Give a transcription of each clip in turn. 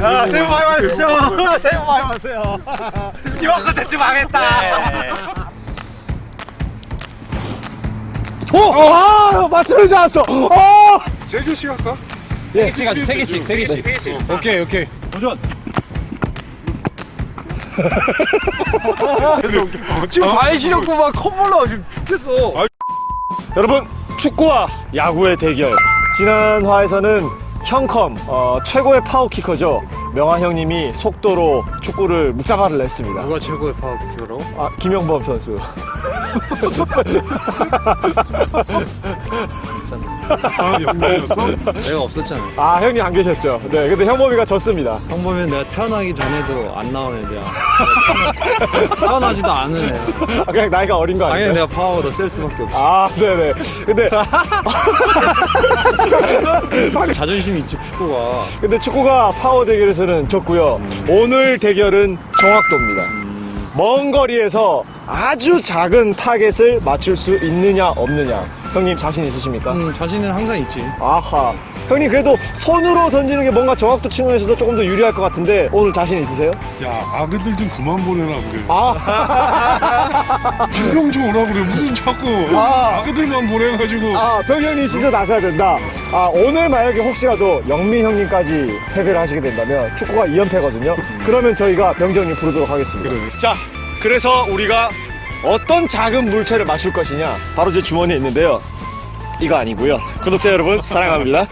아, 새해 복 많이 받으십시오. 새해 복 많이 받으세요. 이번 컨텐츠 망했다. 오! 맞추는 줄 알았어. 세 개씩 할까? 예, 세 개씩. 오케이. 도전. 지금 발시력구만 콧물로 지금 죽겠어. 여러분, 축구와 야구의 대결. 지난 화에서는 형컴 최고의 파워키커죠. 명화 형님이 속도로 축구를 묵사발을 냈습니다. 누가 최고의 파워키커로? 아, 김영범 선수. 아, 영광이었어? 내가 없었잖아. 아, 형님 안 계셨죠. 네, 근데 형범이가 졌습니다. 형보면 내가 태어나기 전에도 안 나온 애들이야. 태어나지도 않은 애야. 아, 그냥 나이가 어린 거 아니에요? 당연히 내가 파워가 더 셀 수밖에 없어. 아, 네네. 근데 자존심이 있지, 축구가. 근데 축구가 파워 대결에서는 졌고요. 오늘 대결은 정확도입니다. 먼 거리에서 아주 작은 타겟을 맞출 수 있느냐 없느냐. 형님 자신 있으십니까? 자신은 항상 있지. 아하. 형님 그래도 손으로 던지는 게 뭔가 정확도 측면에서도 조금 더 유리할 것 같은데 오늘 자신 있으세요? 야, 아그들 좀 그만 보내라 그래. 아, 한명 좀 오라 그래. 무슨 자꾸 아그들만 보내가지고. 아, 병현님 진짜 나서야 된다. 아, 오늘 만약에 혹시라도 영민 형님까지 패배를 하시게 된다면 축구가 2연패거든요. 그러면 저희가 병정님 부르도록 하겠습니다. 그래. 자, 그래서 우리가 어떤 작은 물체를 맞출 것이냐 바로 제 주머니에 있는데요. 이거 아니고요. 구독자 여러분 사랑합니다.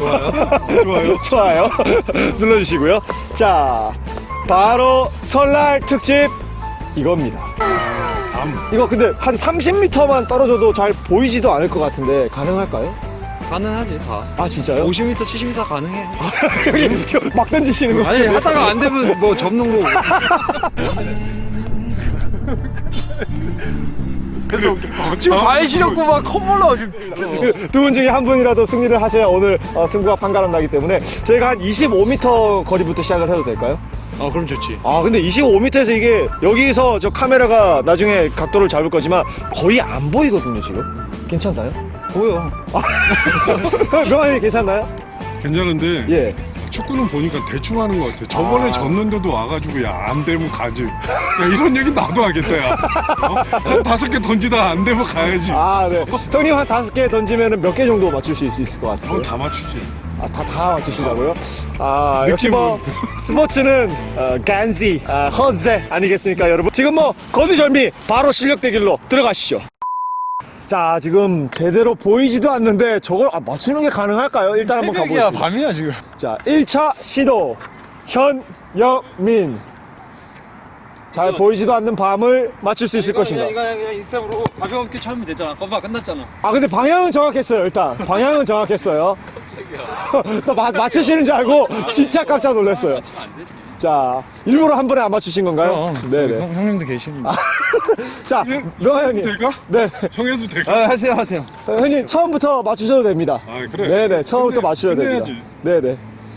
좋아요 눌러주시고요. 자, 바로 설날 특집 이겁니다. 이거 근데 한 30m만 떨어져도 잘 보이지도 않을 것 같은데 가능할까요? 가능하지, 다. 아, 진짜요? 50m, 70m 다 가능해. 형님 막 던지시는 거 아니, 하다가 안 되면 뭐 접는 거고. 지금 발시력구만 콧물로 지금 두 분 중에 한 분이라도 승리를 하셔야 오늘 승부가 판가름 나기 때문에 저희가 한 25m 거리부터 시작을 해도 될까요? 그럼 좋지. 아, 근데 25m에서 이게 여기서 저 카메라가 나중에 각도를 잡을 거지만 거의 안 보이거든요 지금. 괜찮나요? 보여. 명환이 괜찮나요? 괜찮은데. 예. 축구는 보니까 대충 하는 것 같아. 저번에 졌는데도 와가지고 야, 안 되면 가지. 야, 이런 얘기 나도 하겠다, 야. 한 5개 던지다 안 되면 가야지. 아, 네. 형님 한 5개 던지면 몇 개 정도 맞추실 수 있을 것 같으세요? 다 맞추지. 아, 다 맞추신다고요? 아, 역시 뭐 스포츠는 간지, 허세 아니겠습니까, 여러분? 지금 뭐 거두절미 바로 실력 대결로 들어가시죠. 자, 지금 제대로 보이지도 않는데 저걸 맞추는 게 가능할까요? 일단 한번 가보겠습니다. 밤이야, 지금. 자, 1차 시도 현영민. 잘 보이지도 않는 밤을 맞출 수 있을 것인가? 그냥 인스타으로 가볍게 차면 되잖아. 거봐, 끝났잖아. 아, 근데 방향은 정확했어요. 일단 방향은 정확했어요. 또 맞추시는 줄 알고 진짜 깜짝 놀랐어요. 안 되지. 자, 일부러 한 번에 안 맞추신 건가요? 네네. 형님도 계시는데. 자, 명화 형님. 될까? 네. 형해도 될까? 하세요. 형님 처음부터 맞추셔도 됩니다. 아, 그래? 네네. 처음부터 맞추셔도 됩니다. 끝내야지. 네네.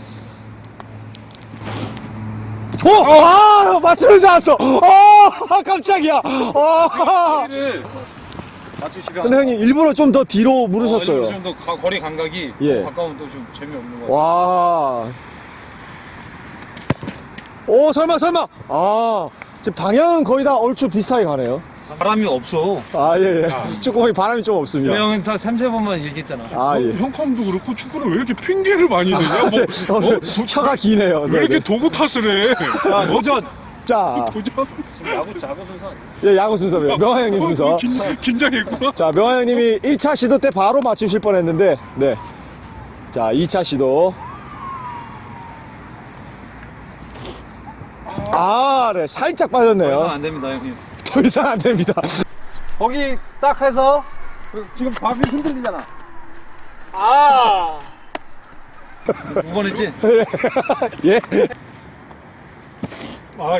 오! 아! 맞추는 줄 알았어! 깜짝이야! 맞추시면. 근데 형님 일부러 좀 더 뒤로 물으셨어요. 좀더 거리 감각이 예. 가까우면 또 좀 재미없는 거. 와. 오, 설마. 아, 지금 방향은 거의 다 얼추 비슷하게 가네요. 바람이 없어. 아, 예. 축구공이 바람이 좀 없습니다. 내 형은 3-4번만 얘기했잖아. 아, 예. 형컴도 그렇고 축구를 왜 이렇게 핑계를 많이 내냐? 뭐, 오늘 혀가 기네요. 왜 네네. 이렇게 도구 탓을 해? 도전. 자, 도전? 야구 순서 아니야? 예, 야구 순서입니다. 명화 형님 순서. 긴장했구나. 자, 명화 형님이 1차 시도 때 바로 맞추실 뻔 했는데, 네. 자, 2차 시도. 아, 네. 살짝 빠졌네요. 안 됩니다, 형님. 더 이상 안 됩니다. 거기 딱 해서, 지금 밤이 흔들리잖아. 아! 2번 했지? 예? 아,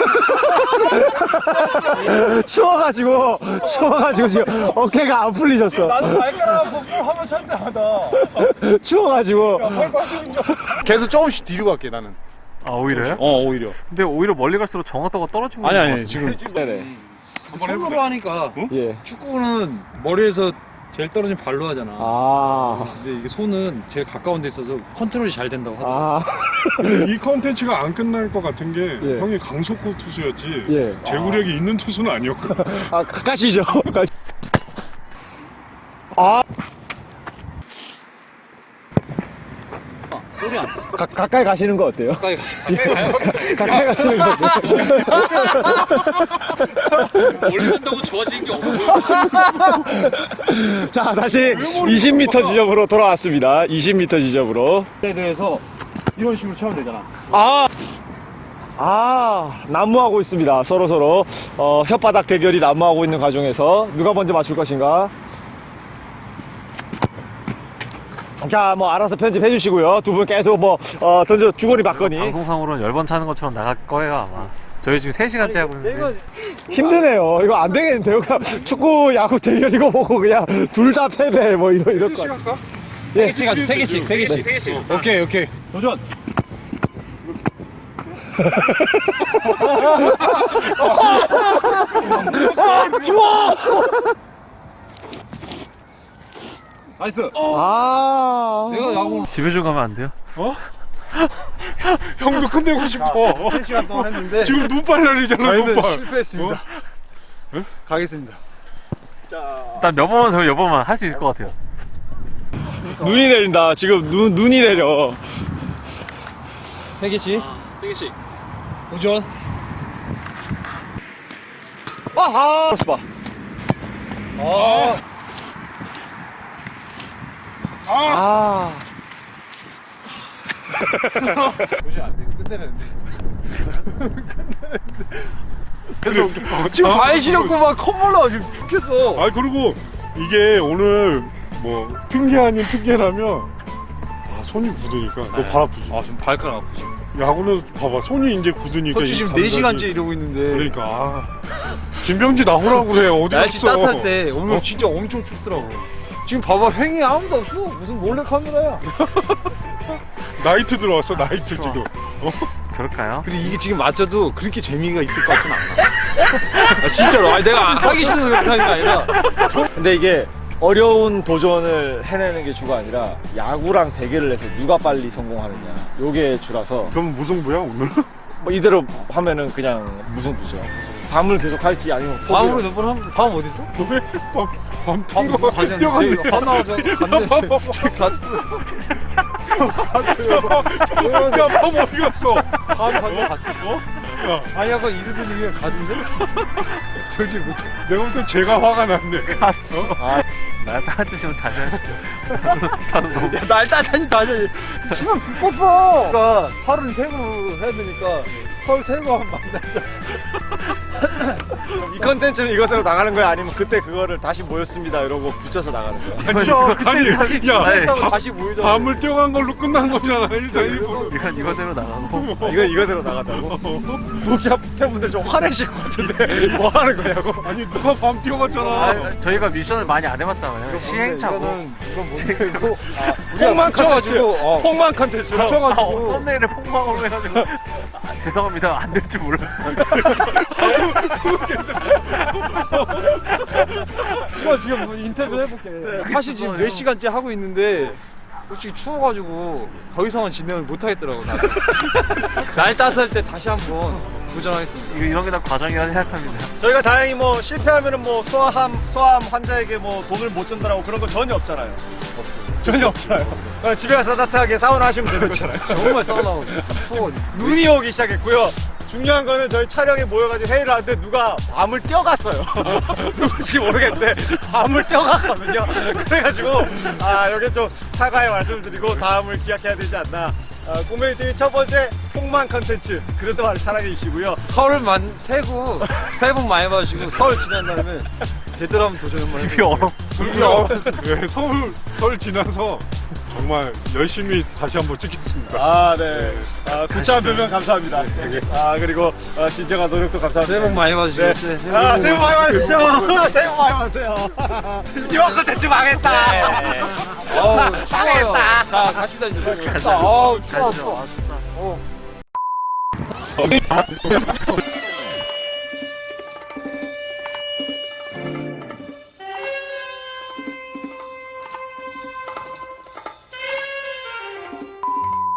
추워가지고 지금 어깨가 안 풀리셨어. 나도 발가락 아프고 한번 찰 때마다. 추워가지고. 계속 조금씩 뒤로 갈게 나는. 아, 오히려요? 오히려. 근데 오히려 멀리 갈수록 정확도가 떨어지고 있는 것 같은데. 지금 네네. 손으로 하니까 예. 축구는 머리에서 제일 떨어진 발로 하잖아. 아, 근데 이게 손은 제일 가까운 데 있어서 컨트롤이 잘 된다고 하더라고. 아, 이 컨텐츠가 안 끝날 것 같은 게 예. 형이 강속구 투수였지 예. 제구력이 있는 투수는 아니었거든. 아, 가시죠. 가시. 아, 소리 안 나. 가까이 가시는 거 어때요? 가까이 가까이 가시는 거 어때요? 멀리 간다고 좋아지는 게 없어요. 자, 다시 20m 지점으로 돌아왔습니다. 20m 지점으로. 애들에서 이런 식으로 차면 되잖아. 난무하고 있습니다. 서로 혓바닥 대결이 난무하고 있는 과정에서 누가 먼저 맞출 것인가? 자, 뭐 알아서 편집해 주시고요. 두 분 계속 던져 주거니 받거니. 방송상으로는 10번 차는 것처럼 나갈 거예요 아마. 저희 지금 3시간째 하고 있는데 힘드네요. 이거 안 되겠는데요. 그냥 축구, 야구 대결이고 뭐고 그냥 둘 다 패배 뭐 이럴 것 같아요. 세 개씩 하자. 세 개씩. 오케이. 도전. 나이스. 아, 내가 야구 집에 좀 가면 안 돼요? 형도 끝내고 싶어. 3시간 동안 했는데 지금 눈발 날리잖아 저희는 눈발. 실패했습니다. 가겠습니다. 일단 몇 번만 더 몇 번만 할 수 있을 것 같아요. 눈이 내린다. 지금 눈이 내려. 세 개씩. 세 개씩. 도전. 아하. 봐. 도전 안 돼. 끝내는데. 지금 발시렵고 막 콧물나 지금 죽겠어. 아 그리고 이게 오늘 뭐 핑계 아닌 핑계라면 손이 굳으니까 너 발 아프지? 지금 발가락 아프지. 야구는 봐봐 손이 이제 굳으니까 코치 이 지금 감각이- 4시간째 이러고 있는데. 그러니까 김병지 나오라고 그래 어디 날씨 갔어? 따뜻할 때 오늘 진짜 엄청 춥더라고. 지금 봐봐 횡이 아무도 없어. 무슨 몰래 카메라야. 나이트 들어왔어 나이트 지금. 그럴까요? 근데 이게 지금 맞춰도 그렇게 재미가 있을 것 같진 않아. 아, 진짜로. 아니, 내가 하기 싫어서 그렇게 하는 게 아니라. 근데 이게 어려운 도전을 해내는 게 주가 아니라 야구랑 대결을 해서 누가 빨리 성공하느냐 요게 주라서 그럼 무승부야 오늘? 뭐 이대로 하면은 그냥 무승부죠. 밤을 계속 할지 아니면 밤으로 몇 번 하면 밤 어디 있어? 밤 밤 뛴거 누가 가지 뛰어갔네. 않는데 밤 나와서 갔는데 지금 갔어. 야밤 어디 갔어? 밤 가서 갔어. 아니 약간 이르더니 그냥 가던데? 도저히 못해. 내가 볼 때 제가 화가 났네. 갔어. 날 따뜻해지면 다시 하시죠. 다들 너무 날 따다니 다시. 치면 불 그러니까 33으로 해야 되니까 33거 하면 만나자. 이 컨텐츠는 이거대로 나가는 거야 아니면 그때 그거를 다시 모였습니다 이러고 붙여서 나가는 거야. 그쵸. 아니 야 다시 모이자. 밤을 뛰어간 걸로 끝난 거잖아 일단 일부러. 이건 이거대로 나가고 이거대로 나간다고? 독자 팬분들 좀 화내실 것 같은데 뭐 하는 거냐고? 아니 누가 밤 뛰어갔잖아. 저희가 미션을 많이 안 해봤잖아요. 시행착오. 이건 폭망 컨텐츠. 붙여가지고, 폭망 컨텐츠로. 썸네일에 폭망으로 해가지고 죄송합니다 안 될 줄 몰랐어요. 이거 지금 뭐 인터뷰 해볼게. 사실 지금 4시간째 하고 있는데 솔직히 추워가지고 더 이상은 진행을 못 하겠더라고. 날 따스할 때 다시 한번 도전하겠습니다. 이런 게 다 과정이라 생각합니다. 저희가 다행히 뭐 실패하면은 뭐 소아암 환자에게 뭐 돈을 못 준다라고 그런 거 전혀 없잖아요. 전혀 없잖아요. 그냥 집에 가서 따뜻하게 사우나 하시면 되는 거잖아요. 정말 싸우고 추워. 눈이 오기 시작했고요. 중요한 거는 저희 촬영에 모여가지고 회의를 하는데 누가 밤을 뛰어갔어요. 누군지 모르겠는데 밤을 뛰어갔거든요. 그래가지고 여기 좀 사과의 말씀을 드리고 다음을 기약해야 되지 않나. 꿈메이 TV 첫 번째 폭망 컨텐츠 그래도 많이 사랑해 주시고요. 설만 새고 새해 복 많이 받으시고 설 지난 다음에 제대로 한번 도전 한번 집이 얼어. 집이 얼어. 네, 설 지나서 정말 열심히 다시 한번 찍겠습니다. 네. 구차한 변명 감사합니다. 그리고 진정한 노력도 감사합니다. 새해 복 많이 받으시고 네. 새해 복 많이 받으십시오. 새해 복 많이 받으세요. 이번 컨텐츠 망했다. 추워요. 자 갑시다 이제. 가자. 추워. 가시죠. 추워. 아, 진짜.